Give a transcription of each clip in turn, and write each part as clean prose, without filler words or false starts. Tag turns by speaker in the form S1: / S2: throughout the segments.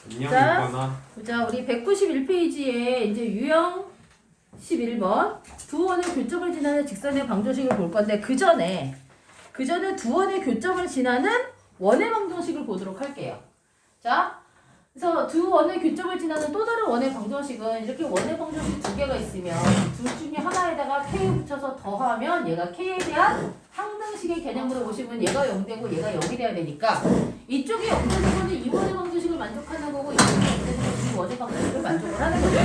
S1: 자, 우리 191페이지에 이제 유형 11번 두 원의 교점을 지나는 직선의 방정식을 볼 건데 그 전에 두 원의 교점을 지나는 원의 방정식을 보도록 할게요. 자, 그래서 두 원의 교점을 지나는 또 다른 원의 방정식은 이렇게 원의 방정식 두 개가 있으면 둘 중에 하나에다가 k 붙여서 더하면 얘가 k에 대한 항등식의 개념으로 보시면 얘가 0되고 얘가 0이 돼야 되니까 이쪽이 0되는 거는 이 원의 방정식을 만족하는 거고 이쪽이 0되는 거는 이 원의 방정식을 만족을 하는 거죠.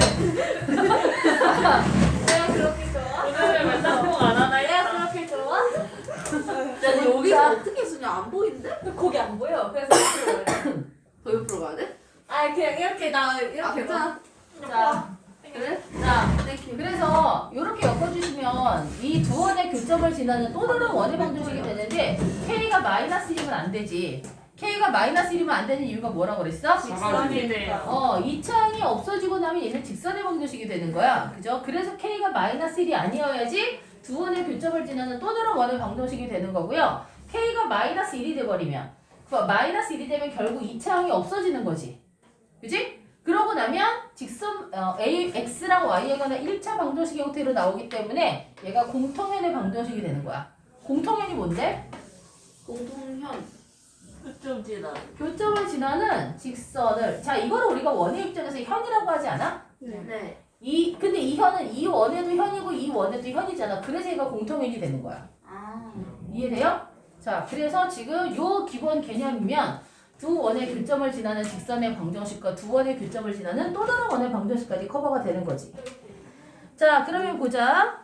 S1: 내가 그렇게 좋아?
S2: 오늘 왜 짬뽕 안 하나
S1: 내가 그렇게 좋아?
S3: 야, 여기서 어떻게 쓰냐? 안 보이는데?
S1: 거기 안 보여. 그래서 옆으로 가야 돼.
S3: 더 옆으로 가야 돼?
S1: 아, 그냥 이렇게 나 이렇게
S3: 아, 괜찮아.
S1: 자, 그래? 자, 그래서 이렇게 엮어주시면 이 두 원의 교점을 지나는 또 다른 원의 방정식이 되는데 k가 -1이면 안 되지. k가 -1이면 안 되는 이유가 뭐라고 그랬어?
S2: 직선이 돼요.
S1: 이 창이 없어지고 나면 얘는 직선의 방정식이 되는 거야. 그죠? 그래서 k가 -1이 아니어야지 두 원의 교점을 지나는 또 다른 원의 방정식이 되는 거고요. k가 -1이 돼버리면 -1이 되면 결국 이 창이 없어지는 거지. 그지? 그러고 나면 직선 x랑 y에 관한 1차 방정식 형태로 나오기 때문에 얘가 공통현의 방정식이 되는 거야. 공통현이 뭔데?
S3: 공통현.
S2: 교점 지나.
S1: 교점을 지나는 직선을 자 이거를 우리가 원의 입장에서 현이라고 하지 않아?
S3: 네.
S1: 근데 이 현은 이 원에도 현이고 이 원에도 현이잖아. 그래서 얘가 공통현이 되는 거야.
S3: 아.
S1: 이해돼요? 자 그래서 지금 요 기본 개념이면 두 원의 교점을 지나는 직선의 방정식과 두 원의 교점을 지나는 또 다른 원의 방정식까지 커버가 되는 거지. 자 그러면 보자.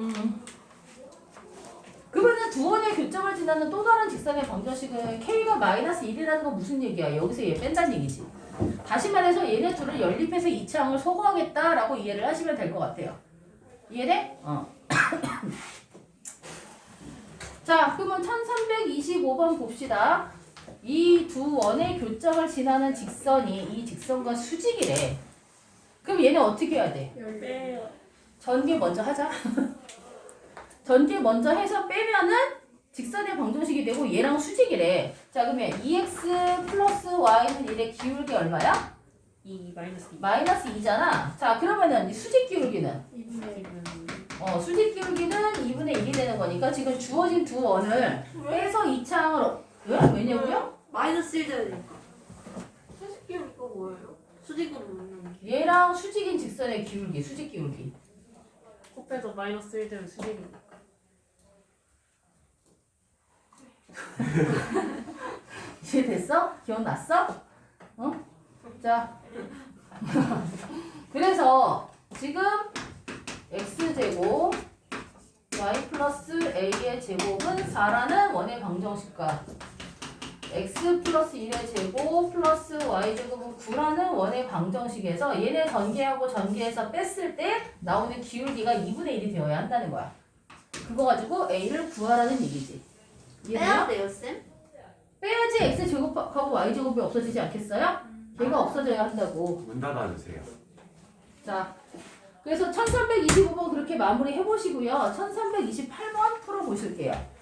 S1: 그러면 두 원의 교점을 지나는 또 다른 직선의 방정식은 k가 -1이라는 건 무슨 얘기야? 여기서 얘 뺀다는 얘기지. 다시 말해서 얘네 둘을 연립해서 이 창을 소거하겠다라고 이해를 하시면 될 것 같아요. 이해돼? 자 그러면 1325번 봅시다. 이 두 원의 교점을 지나는 직선이 이 직선과 수직이래. 그럼 얘네 어떻게 해야 돼?
S2: 빼요.
S1: 전개 먼저 하자. 전개 먼저 해서 빼면은 직선의 방정식이 되고 얘랑 수직이래. 자 그러면 2x 플러스 y는 얘네 기울기 얼마야?
S2: 2 -2.
S1: -2잖아. 자 그러면은 이 수직 기울기는?
S2: 지금
S1: 수직 기울기는 2분의 1이 되는 거니까 지금 주어진 두 원을 빼서 이 창으로 왜냐고요?
S3: -1 되니까. 수직 기울기가 뭐예요? 수직으로 놓는 게.
S1: 얘랑 수직인 직선의 기울기, 수직 기울기.
S2: 코페에서 -1 되면 수직입니다.
S1: 이해됐어? 기억났어? 자 그래서 지금 x제곱 y 플러스 a의 제곱은 4라는 원의 방정식과 x 플러스 1의 제곱 플러스 y 제곱은 9라는 원의 방정식에서 얘네 전개하고 전개해서 뺐을 때 나오는 기울기가 2분의 1이 되어야 한다는 거야. 그거 가지고 a를 구하라는 얘기지.
S3: 빼야 돼요, 쌤?
S1: 빼야지 x제곱하고 y제곱이 없어지지 않겠어요? 걔가 없어져야 한다고.
S4: 문 닫아주세요.
S1: 자, 그래서 1325번 그렇게 마무리 해보시고요. 1328번 풀어보실게요.